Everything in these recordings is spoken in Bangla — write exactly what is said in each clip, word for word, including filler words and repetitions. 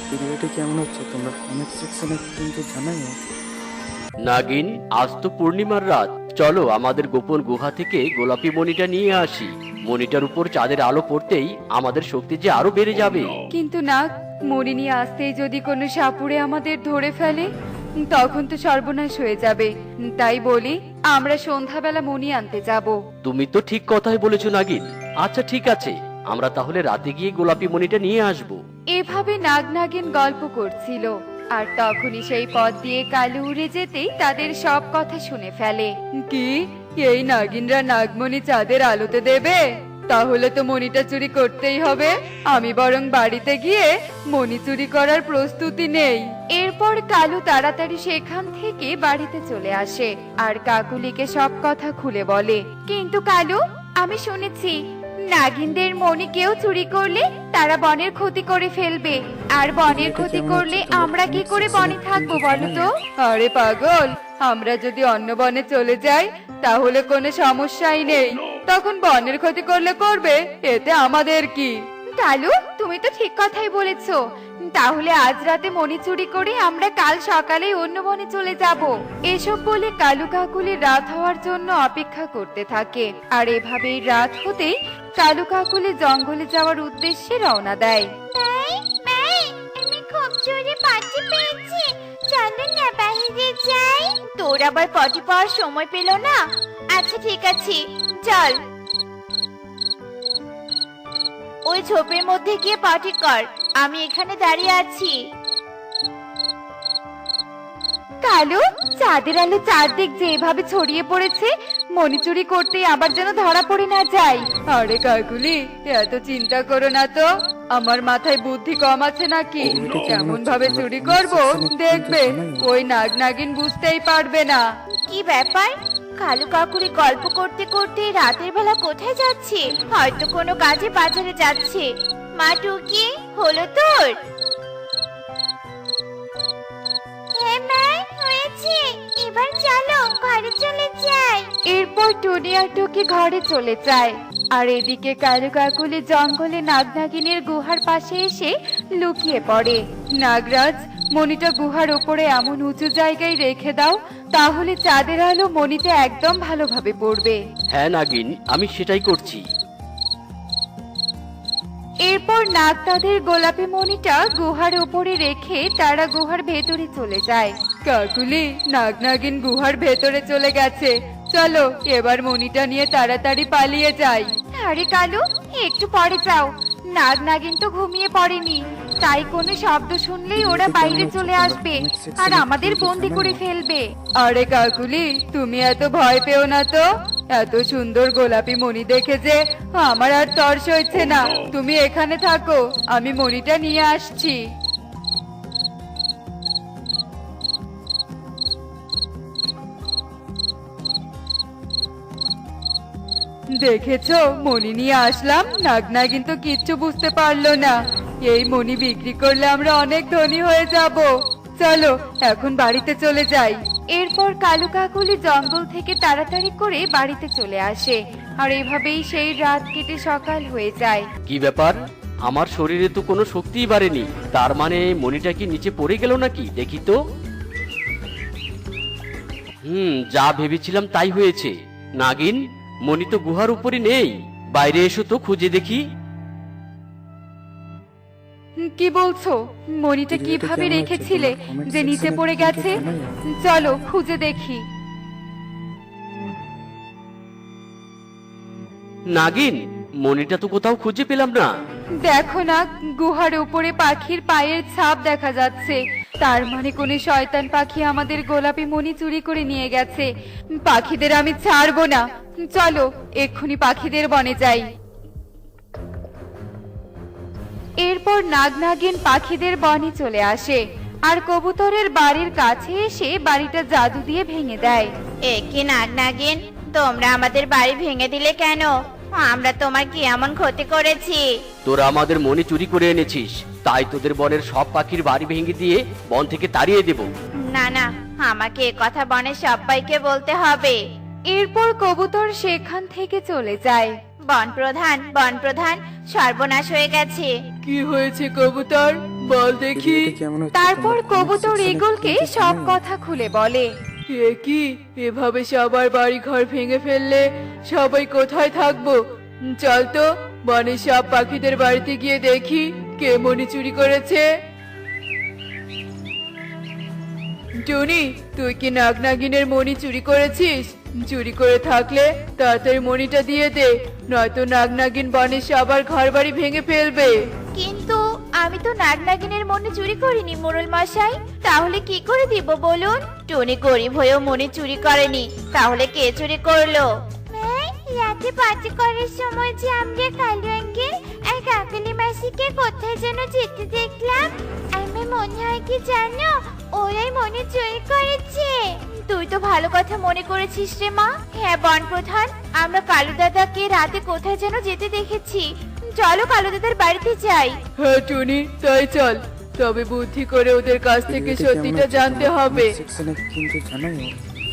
ভিডিওটি কেমন হচ্ছে তোমরা কমেন্ট সেকশনে কিন্তু জানাও। নাগিন, আজ তো পূর্ণিমার রাত, চলো আমাদের গোপন গুহা থেকে গোলাপি মণিটা নিয়ে আসি। মণিটার উপর চাঁদের আলো পড়তেই আমাদের শক্তি যে আরো বেড়ে যাবে। কিন্তু না, মণি নিয়ে আসতেই যদি কোনো সাপুড়ে আমাদের ধরে ফেলে তখন তো সর্বনাশ হয়ে যাবে। তাই বলি আমরা সন্ধ্যাবেলা মণি আনতে যাব। তুমি তো ঠিক কথাই বলেছো নাগিন। আচ্ছা ঠিক আছে, আমরা তাহলে রাতে গিয়ে গোলাপি মণিটা নিয়ে আসবো। এভাবে নাগ নাগিন গল্প করছিল আর তখনই সেই পথ দিয়ে কালু উড়ে যেতেই তাদের সব কথা শুনে ফেলে। কি, এই নাগিনরা নাগমণি চাঁদের আলোতে দেবে? তাহলে তো মণিটা চুরি করতেই হবে। আমি বরং বাড়িতে গিয়ে মণি চুরি করার প্রস্তুতি নেই। এরপর কালু তাড়াতাড়ি সেখান থেকে বাড়িতে চলে আসে আর কাকুলিকে সব কথা খুলে বলে। কিন্তু কালু, আমি শুনেছি নাগিনদের মণি কেউ চুরি করলে তারা বনের ক্ষতি করে ফেলবে, আর বনের ক্ষতি করলে আমরা কি করে বনে থাকবো বলো তো? আরে পাগল, আমরা যদি অন্য বনে চলে যাই তাহলে কোনো সমস্যাই নেই। তখন বনের ক্ষতি করলে করবে, এতে আমাদের কি? কালু, তুমি তো ঠিক কথাই বলেছো। তাহলে আজ রাতে মণি চুরি করে আমরা কাল সকালে অন্য বনে চলে যাব। এসব বলে কালু কাকুলি রাত হওয়ার জন্য অপেক্ষা করতে থাকে। আর এভাবেই রাত হতেই কালু কাকুলি জঙ্গলে যাওয়ার উদ্দেশ্যে রওনা দেয়। আমি খুব জোরে পাটি পেয়েছি, চলো না বাইরে যাই। তোর আবার পটি পাওয়ার সময় পেল না? আচ্ছা ঠিক আছে, চল। ওই ঝোপের মধ্যে গিয়ে পাটি কর, আমি এখানে দাঁড়িয়ে আছি। কালু, চাঁদের আলো চারদিক যে এভাবে ছড়িয়ে পড়েছে, মণি চুরি করতে আবার যেন ধরা পড়ে না যায়। আরে কাকুলি, এত চিন্তা করো না তো। আমার মাথায় বুদ্ধি কম আছে নাকি? কেমন ভাবে চুরি করব দেখবে, ওই নাগ নাগিন বুঝতেই পারবে না। কি ব্যাপার? কালু কাকুরি গল্প করতে করতে রাতের বেলা কোথায় যাচ্ছে? হয়তো কোনো কাজে বাজারে যাচ্ছে। মা টুকি, হলো তোর? হ্যাঁ মা, হয়েছে। এবার চলো ঘরে চলে যাই। এরপর টুনি আর টুকি ঘরে চলে যায়। আর এদিকে কালু কাকুলি জঙ্গলে নাগ নাগিনের গুহার পাশে এসে লুকিয়ে পড়ে। নাগরাজ, মণিটা গুহার উপরে এমন উঁচু জায়গায় রেখে দাও, তাহলে চাঁদের আলো মণিতে একদম ভালোভাবে পড়বে। হ্যাঁ নাগিন, আমি সেটাই করছি। এরপর নাগ তাদের গোলাপি মণিটা গুহার উপরে রেখে তারা গুহার ভেতরে চলে যায়। কাকুলি, নাগ নাগিন গুহার ভেতরে চলে গেছে, চলো এবার মণিটা নিয়ে তাড়াতাড়ি পালিয়ে যাই। আরে কালু, একটু পরে যাও, নাগ নাগিন তো ঘুমিয়ে পড়েনি, তাই কোনো শব্দ শুনলেই ওরা বাইরে চলে আসবে আর আমাদের বন্দি করে ফেলবে। আরে কাকুলি, তুমি এত ভয় পেও না তো। এত সুন্দর গোলাপি মণি দেখে যে আমার আর তর সইছে না। তুমি এখানে থাকো, আমি মণিটা নিয়ে আসছি। দেখেছো, মণি নিয়ে আসলাম, নাগ নাগিন তো কিচ্ছু বুঝতে পারলো না। এই মণি বিক্রি করলে আমরা অনেক ধনী হয়ে যাব। চলো এখন বাড়িতে চলে যাই। এরপর কালু কাকুলি জঙ্গল থেকে তাড়াতাড়ি করে বাড়িতে চলে আসে। আর এভাবেই সেই রাত কেটে সকাল হয়ে যায়। কি ব্যাপার, আমার শরীরে তো কোনো শক্তিই বাড়েনি। তার মানে মণিটা কি নিচে পড়ে গেল নাকি? দেখি তো। হুম, যা ভেবেছিলাম তাই হয়েছে। নাগিন, মণি তো গুহার উপরে নেই, বাইরে এসো তো খুঁজে দেখি। কি বলছো? মণিটা কিভাবে রেখেছিলে যে নিচে পড়ে গেছে? চলো খুঁজে দেখি। নাগিন, মণিটা তো কোথাও খুঁজে পেলাম না। দেখো না, গুহার উপরে পাখির পায়ের ছাপ দেখা যাচ্ছে। তার মানে কোন শয়তান পাখি আমাদের গোলাপি মণি চুরি করে নিয়ে গেছে। পাখিদের আমি ছাড়বো না। চলো এক্ষুনি পাখিদের বনে যাই। এরপর নাগ নাগিন পাখিদের বনে চলে আসে আর কবুতরের বাড়ির কাছে এসে বাড়িটা জাদু দিয়ে ভেঙে দেয়। এ কি নাগ নাগিন, তোমরা আমাদের বাড়ি ভেঙে দিলে কেন? আমরা তোমার কি এমন ক্ষতি করেছি? তোরা আমাদের মণি চুরি করে এনেছিস, তাই তোদের বনের সব পাখির বাড়ি ভেঙে দিয়ে বন থেকে তাড়িয়ে দেব। না না, আমাকে এ কথা বনের সবাইকে বলতে হবে। এরপর কবুতর সেখান থেকে চলে যায়। বন প্রধান, বন প্রধান, সর্বনাশ হয়ে গেছে। কি হয়েছে কবুতর? বল দেখি। ভিডিওটি কেমন হচ্ছে তারপর তোমরা comment কবুতর section এ ঈগলকে কিন্তু সব জানাও। কথা খুলে বলে। এ কি, এভাবে সবার বাড়ি ঘর ভেঙে ফেললে সবাই কোথায় থাকবো? চল তো বনের সব পাখিদের বাড়িতে গিয়ে দেখি কে মণি চুরি করেছে। টুনি, তুই কি নাগনাগিনের মণি চুরি করেছিস? চুরি করে থাকলে তাড়াতাড়ি মণিটা দিয়ে দে, নয়তো নাগনাগিন বনের সবার ঘর বাড়ি ভেঙে ফেলবে। কিন্তু আমি তো নাগনাগিনের মনে চুরি করিনি মোড়ল মশাই, তাহলে কি করে দিব বলুন? টনি গরিব হয়েও মনে চুরি করেনি, তাহলে কে চুরি করলো? রাতে পার্টি করার সময় যে আমরা কালু আঙ্কেল আর কাকলি মাসিকে কোথায় যেন যেতে দেখলাম, আমার মনে হয় কি জানো, ওরাই মনে চুরি করেছে। তুই তো ভালো কথা মনে করেছিস রে মা। হ্যাঁ বন প্রধান, আমরা কালু দাদাকে রাতে কোথায় যেন যেতে দেখেছি। চলো কালু দাদার বাড়িতে যাই। হ্যাঁ টুনি, তাই চল। তবে বুদ্ধি করে ওদের কাছ থেকে ভিডিওটি কেমন সত্যিটা হচ্ছে জানতে তোমরা হবে। comment section এ কিন্তু জানাও।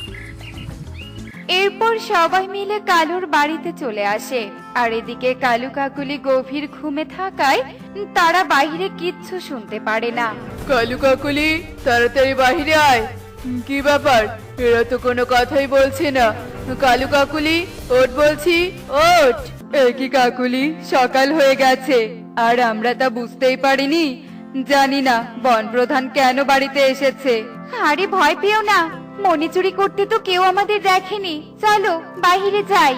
এরপর সবাই মিলে কালুর বাড়িতে চলে আসে, আর এদিকে কালু কাকুলি গভীর ঘুমে থাকায় তারা বাইরে কিচ্ছু শুনতে পারে না। কালু কাকুলি, তাড়াতাড়ি বাহিরে আয়। হুম, কি ব্যাপার, এরা তো কোনো কথাই বলছে না। কালু কাকুলি, ওঠ বলছি, ওঠ। এ কি কাকুলি, সকাল হয়ে গেছে আর আমরা তা বুঝতেই পারিনি। জানি না বন প্রধান কেন বাড়িতে এসেছে। আরে ভয় পেও না, মনি চুরি করতে তো কেউ আমাদের দেখেনি, চলো বাইরে যাই।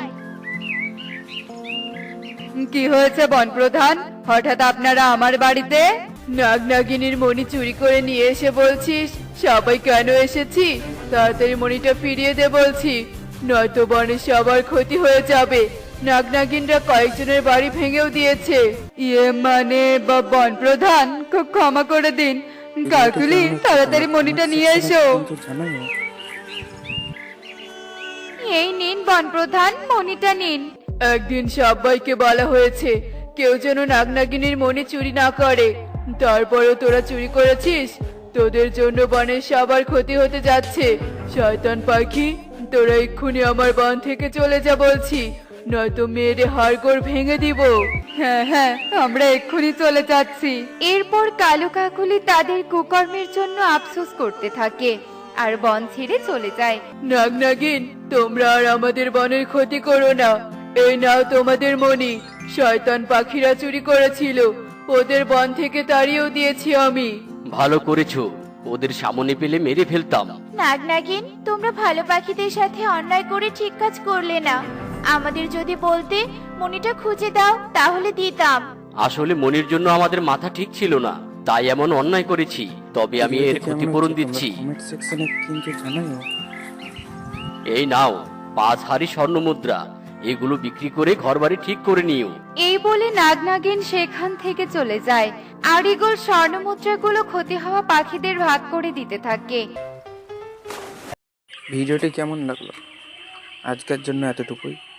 কি হয়েছে বন প্রধান, হঠাৎ আপনারা আমার বাড়িতে? নাগনাগিনীর মণি চুরি করে নিয়ে এসে বলছিস সবাই কেন এসেছি? তাড়াতাড়ি মণিটা ফিরিয়ে দে বলছি, নয়তো বনের সবার ক্ষতি হয়ে যাবে। নাগনাগিনরা কয়েকজনের বাড়ি ভেঙেও দিয়েছে। ইয়ে মানে বা- বন প্রধান, খুব ক্ষমা করে দিন। ভিডিওটি কাকুলি, কেমন হচ্ছে তাড়াতাড়ি তোমরা মনিটা comment নিয়ে section এ এসো। কিন্তু জানাও। এই নিন বন প্রধান, মনিটা নিন। একদিন সবাইকে বলা হয়েছে কেউ যেন নাগনাগিনীর মণি চুরি না করে, তারপরেও তোরা চুরি করেছিস। তোদের জন্য বনের সবার ক্ষতি হতে যাচ্ছে। শয়তান পাখি, তোরা এক্ষুনি আমার বন থেকে চলে যা বলছি, নয়তো মেয়েরে হাড়গোড় ভেঙে দিব। হ্যাঁ হ্যাঁ, আমরা এক্ষুনি চলে যাচ্ছি। এরপর কালু কাকুলি তাদের কুকর্মের জন্য আফসোস করতে থাকে আর বন ছেড়ে চলে যায়। নাগনাগিন, তোমরা আর আমাদের বনের ক্ষতি করো না। এই নাও তোমাদের মণি। শয়তান পাখিরা চুরি করেছিল, ওদের বন থেকে তাড়িয়েও দিয়েছি আমি। ভালো করেছো, ওদের সামনে পেলে মেরে ফেলতাম। নাগনাগিন, তোমরা ভালো পাখিদের সাথে অন্যায় করে ঠিক কাজ করলে না। আমাদের যদি বলতে মনিটা খুঁজে দাও তাহলে দিতাম। আসলে মনির জন্য আমাদের মাথা ঠিক ছিল না, তাই এমন অন্যায় করেছি। তবে আমি এর ভিডিওটি কেমন ক্ষতিপূরণ হচ্ছে দিচ্ছি। তোমরা comment section এ কিন্তু জানাও। এই নাও পাঁচ হাড়ি স্বর্ণ মুদ্রা, এগুলো বিক্রি করে ঘরবাড়ি ঠিক করে নিও। এই বলে নাগনাগিন সেখান থেকে চলে যায় আর ইগল স্বর্ণ মুদ্রাগুলো ক্ষতি হওয়া পাখিদের ভাগ করে দিতে থাকে। ভিডিওটি কেমন লাগলো? আজকের জন্য এতটুকুই।